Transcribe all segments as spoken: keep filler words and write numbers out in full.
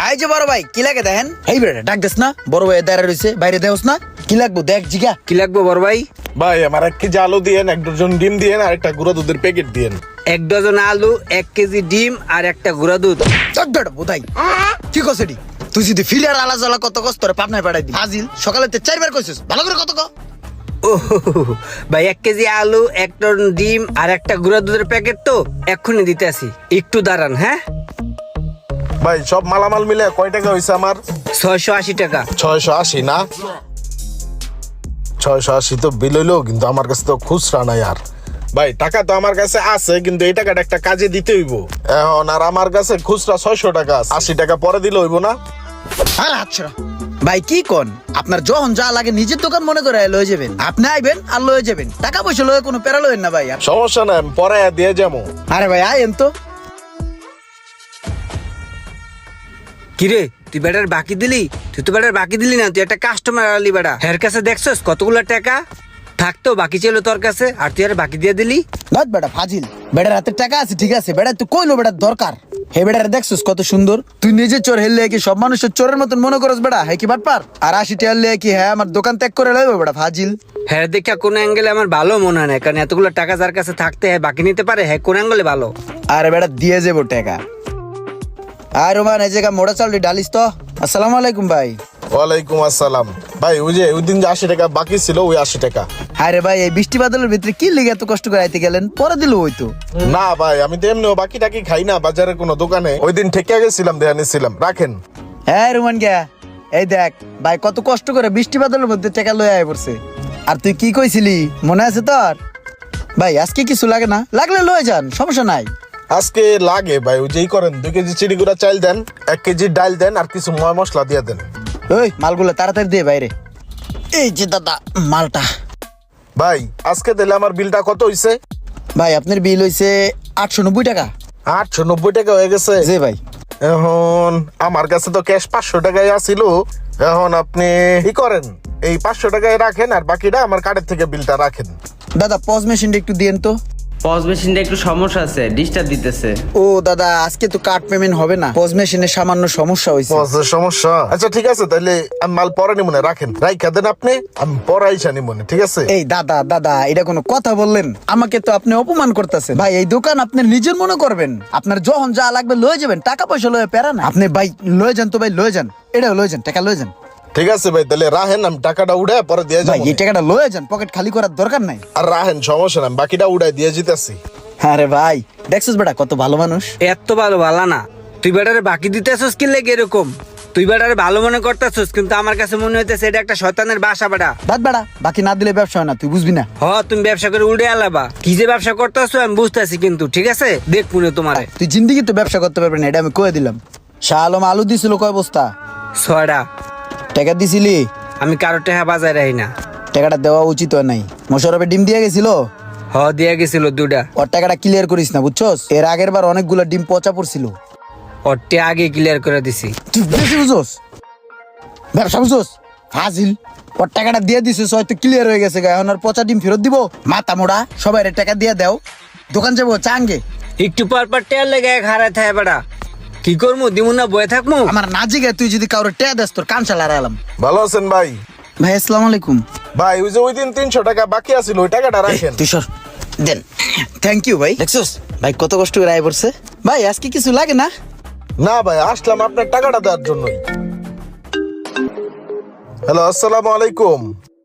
এই যে বড় ভাই কি লাগে দেখেন? এই বেটা ডাক দেস না, বড় ভাই দাঁড়া রইছে, বাইরে দেওস না, কি লাগবো দেখ জিগা। কি লাগবে বড় ভাই? ভাই আমার এক কেজি আলু দিয়েন, এক ডজন ডিম দিয়েন, আর একটা গুঁড়া দুধের প্যাকেট দিয়েন। এক ডজন আলু, এক কেজি ডিম আর একটা গুঁড়া দুধ। চট বেটা বোধাই কি কসেডি? তুই যদি ফিলার আলা জ্বালা কত কষ্ট করে পাবনায় পাঠাই দি হাজিল সকালে তে চারবার কইছিস, ভালো করে কত ক। ও ভাই, এক কেজি আলু, এক টন ডিম আর একটা গুঁড়া দুধের প্যাকেট তো এক্ষুনি দিতে আসি, একটু দাঁড়ান। হ্যাঁ ভাই সব মালামাল মিলে কয় টাকা হয়েছে আমার? ছয়শো আশি টাকা। ছয়শো আশি না? ছয়শো আশি তো বিল হইলো, কিন্তু আমার কাছে তো খুচরা নাই। আর ভাই টাকা তো আমার কাছে আছে, কিন্তু এই টাকাটা একটা কাজে দিতে হইব এখন। আর আমার কাছে খুচরা ছয়শো টাকা আছে, আশি টাকা পরে দিলে হইব না? আর আচ্ছা ভাই কি কোন, আপনার যখন যা লাগে নিজের দোকান মনে করে লয়ে যাবেন, আপনি আইবেন আর লয়ে যাবেন, টাকা পয়সা লয়ে কোনো প্যারা লয়েন না ভাই। সমস্যা নাই, আমি পরে দিয়ে যাবো। আরে ভাই আইন তো। কিরে তুই বেটার বাকি দিলি? তুই তো বেটার বাকি দিলি না, তুই একটা কাস্টমার আলি বেটা। হের কাছে দেখছস কতগুলো টাকা থাকতো বাকি ছিল তোর কাছে, আর তুই আর বাকি দিয়ে দিলি। নট বেটা ফাজিল, বেটার হাতে টাকা আছে ঠিক আছে, বেটা তুই কইলো বেটার দরকার। হে বেটার দেখছস কত সুন্দর, তুই নিজে চোর হেললে কি সব মানুষের চোরের মতন মনে করস বেটা? হ্যাঁ কি বাটপার? আর আশি টাকা হলে কি হ্যাঁ আমার দোকান ত্যাগ করে লইব বেটা ফাজিল? হ্যাঁ দেখা কোন অ্যাঙ্গেলে আমার ভালো মনে হয় না, কারণ এতগুলো টাকা যার কাছে থাকতে হ্যাঁ বাকি নিতে পারে, হ্যাঁ কোন অ্যাঙ্গেলে ভালো? আরে বেটা দিয়ে যাবো টাকা। আর রোমান এই জায়গা মোড়া চাউলি ডালিস তো। আসসালামু আলাইকুম ভাই। ওয়ালাইকুম আসসালাম। ভাই ওই যে ওই দিন যে আশি টাকা বাকি ছিল, ওই আশি টাকা। আরে ভাই এই বৃষ্টি বাদলের ভিতরে কি লিগে এত কষ্ট করে আইতে গেলেন? পরে দিল ওই তো। না ভাই আমি তো এমনিও বাকি টাকি খাই না বাজারের কোনো দোকানে, ওই দিন ঠেকে গেছিলাম, দেয়া নিছিলাম, রাখেন। হ্যাঁ রোমান গা এই দেখ ভাই কত কষ্ট করে বৃষ্টি বাদলের মধ্যে টাকা লয়ে আয় পড়ছে। আর তুই কি কইছিলি মনে আছে তোর? ভাই আজকে কিছু লাগে না, লাগলে লয়ে যান, সমস্যা নাই। আজকে লাগে ভাই, ওই যেই করেন, দুই কেজি চিড়ি গুঁড়া চাল দেন, এক কেজি ডাল দেন, আর কিছু ময় মশলা দিয়ে দেন। ওই মালগুলো তাড়াতাড়ি দিয়ে বাইরে। এই যে দাদা মালটা। ভাই আজকে দিলে আমার বিলটা কত হইছে? ভাই আপনার বিল হইছে আটশো নব্বই টাকা। আটশো নব্বই টাকা হয়ে গেছে? জি ভাই। এখন আমার কাছে তো ক্যাশ পাঁচশো টাকায় আসিল, এখন আপনি কি করেন, এই পাঁচশো টাকায় রাখেন, আর বাকিটা আমার কার্ডের থেকে বিলটা রাখেন। দাদা পজ মেশিনটা একটু দিয়েন তো। পজ মেশিনটা একটু সমস্যা আছে, ডিস্টার্ব দিতেছে। ও দাদা আজকে তো কার্ড পেমেন্ট হবে না, পজ মেশিনে সামান্য সমস্যা হয়েছে। পজের সমস্যা? আচ্ছা ঠিক আছে, তাহলে আমি মাল পরে নিমনে, রাখেন, রাইখা দেন আপনি, আমি পরে আইসা নিমনে, ঠিক আছে? এই দাদা দাদা এটা কোনো কথা বললেন? আমাকে তো আপনি অপমান করতেছেন ভাই। এই দোকান আপনি নিজের মনে করবেন, আপনার যখন যা লাগবে লয়ে যাবেন, টাকা পয়সা লয়ে প্যারা না। আপনি ভাই লয়ে যান তো ভাই, লয়ে যান, এটা লয়ে যান, টাকা লয়ে যান। ঠিক আছে ভাই, তাহলে রাহেন, আমি টাকাটা উড়ে পরে দিয়ে ভাই যাবো। এই টাকাটা লয়ে যান, পকেট খালি করার দরকার নাই। আর রাহেন, সমস্যা না, আমি বাকিটা উড়াই দিয়ে যেতেছি। আরে ভাই দেখছিস বেটা কত ভালো মানুষ। এত ভালো ভালো না, তুই বেটারে বাকি দিতে আসছিস কি লেগে এরকম? তুই বেটারে ভালো মনে করতেছিস, কিন্তু আমার কাছে মনে হইতেছে এটা একটা শয়তানের বাসা বেটা। বাদ বেটা, বাকি না দিলে ব্যবসা হয় না, তুই বুঝবি না। হ তুমি ব্যবসা করে উড়ে আলাবা, কি যে ব্যবসা করতেছো আমি বুঝতেছি, কিন্তু ঠিক আছে দেখ পুনে তোমারে। তুই জিন্দিগি তো ব্যবসা করতে পারবি না, এটা আমি কয়ে দিলাম। শাহ আলম আলু দিছিল কয় বস্তা? ছয়টা। টাকা দিছিলি? আমি কারো টাকা বাজায় রাখি না। টাকাটা দেওয়া উচিত হয় নাই। মোশারফে ডিম দিয়ে গেছিল, হ দিয়া গেছিল দুটা। ওর টাকাটা ক্লিয়ার করিস না বুঝছস? এর আগের বার অনেকগুলো ডিম পচা পড়ছিল। ওরটা আগে ক্লিয়ার করে দিছি। তুই বেশি বুঝছস, ব্যবসা বুঝছস ফাজিল। ওর টাকাটা দিয়ে দিছিস হয়তো ক্লিয়ার হয়ে গেছে, এখন আর পচা ডিম ফেরত দিব? মাথা মোড়া, সবাই টাকা দিয়ে দাও, দোকান যাবো চাঙ্গে। একটু পর পর টেয়ার লেগে এক হারায় থাকে বেটা, কি করবো দিমু না বয়ে থাকবো? আমার না জিগে তুই যদি কারোর টেয়া দেস তোর কান চালা এলাম। ভালো আছেন ভাই? ভাই আসসালামু আলাইকুম। ভাই ওই যে ওই দিন তিনশো টাকা বাকি আছিল, ওই টাকাটা রাখেন। তুই সর দেন। থ্যাংক ইউ ভাই। দেখছস ভাই কত কষ্ট করে আয় পড়ছে। ভাই আজকে কিছু লাগে না? না ভাই, আসলাম আপনার টাকাটা দেওয়ার জন্যই। হ্যালো, আসসালামু আলাইকুম।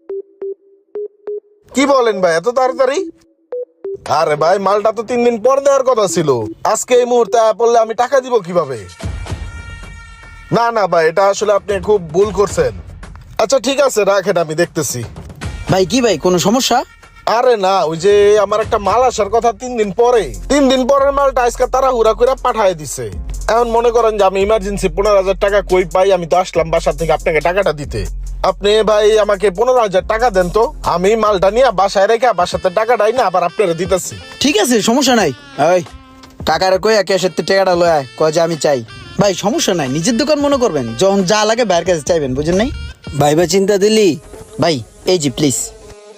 কি বলেন ভাই এত তাড়াতাড়ি? আরে ভাই মালটা তো তিন দিন পর দেওয়ার কথা ছিল, আজকে এই মুহূর্তে পড়লে আমি টাকা দিব কিভাবে? না না ভাই, এটা আসলে আপনি খুব ভুল করছেন। আচ্ছা ঠিক আছে রাখেন, আমি দেখতেছি। ভাই কি ভাই কোনো সমস্যা? আরে না, ওই যে আমার একটা মাল আসার কথা তিন দিন পরে, তিন দিন পরের মালটা আজকে তারা হুরা করে পাঠায় দিছে। এখন মনে করেন যে আমি ইমার্জেন্সি পনেরো হাজার টাকা কই পাই, আমি তো আসলাম বাসা থেকে আপনাকে টাকাটা দিতে। আপনি ভাই আমাকে পনেরো হাজার টাকা দেন তো, আমি মালটা নিয়ে বাসায় রেখে বাসাতে টাকাটাই না আবার আপনারা দিতেছি। ঠিক আছে সমস্যা নাই। ওই কাকারে কই ক্যাশের টাকাটা লয় আয়, কয় যে আমি চাই। ভাই সমস্যা নাই, নিজের দোকান মনে করবেন, যখন যা লাগে বাইরের কাছে চাইবেন, বুঝেন নাই? ভাই বা চিন্তা দিলি? ভাই এই জি প্লিজ।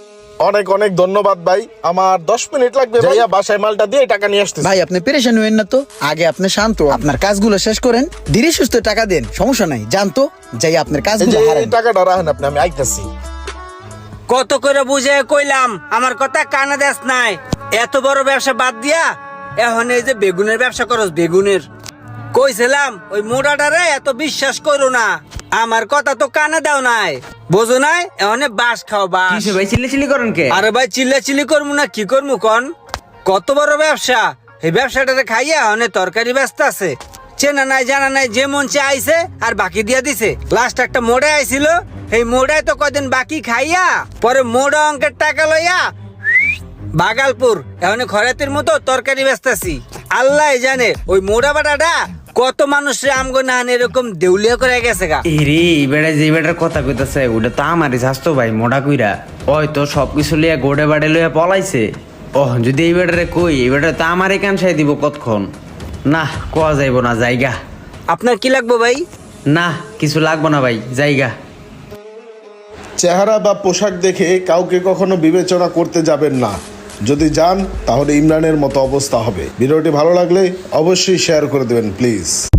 অনেক অনেক ধন্যবাদ ভাই, আমার দশ মিনিট লাগবে ভাইয়া বাসায় মালটা দিয়ে টাকা নিয়ে আসতেছি। ভাই আপনি পেরেশান হইেন না তো, আগে আপনি শান্ত হন। আপনার কাজগুলো শেষ করেন, ধীরে সুস্থ টাকা দেন, সমস্যা নাই। জানতো যাই আপনার এই যে কাজগুলো এই হারান। টাকাটা রাখেন আপনি, আমি আইতাছি। কত করে বুঝে কইলাম আমার কথা কানে দেস নাই। এত বড় ব্যবসা বাদ দিয়া এখন এই যে বেগুনের ব্যবসা করস, বেগুনের কইছিলাম ওই মোড়াটারে এত বিশ্বাস করো না, আমার কথা তো কানে দাও নাই, বোঝো নাই? এখন বাস খাও বাস। কিসে ভাই চিল্লি চিল্লি করেন কে? আরে ভাই চিল্লা চিল্লি করবো না কি করবো কন? কত বড় ব্যবসা, এই ব্যবসাটারে খাইয়া অনেক তরকারি ব্যস্ত আছে, চেনা নাই জানা নাই, যে মন চে আইছে আর বাকি দিয়া দিছে। লাস্ট একটা মোড়ে আইছিল, এই মোড়ায় তো কদিন বাকি খাইয়া পরে মোড়া অঙ্কের টাকা লইয়া বাগালপুর এখন খরাতের মতো তরকারি ব্যস্তাছি। আল্লাহ জানে ওই মোড়া বাটাটা কত মানুষের আমগো না এরকম দেউলিয়া করে গেছে গা। এরে এই বেড়া যে বেটার কথা কইতাছে ওটা তো আমারই স্বাস্থ্য ভাই, মোটা কইরা ওই তো সবকিছু লিয়া গোড়ে বাড়ে লইয়া পলাইছে। ও যদি এই বেটারে কই, এই বেটারে তো আমারই কানসাই দিব কতক্ষণ। না কোয়া যাইব না, জায়গা। আপনার কি লাগবে ভাই? না কিছু লাগবো না ভাই, জায়গা। চেহারা বা পোশাক দেখে কাউকে কখনো বিবেচনা করতে যাবেন না, যদি যান তাহলে ইমরানের মতো অবস্থা হবে। ভিডিওটি ভালো লাগলে অবশ্যই শেয়ার করে দেবেন প্লিজ।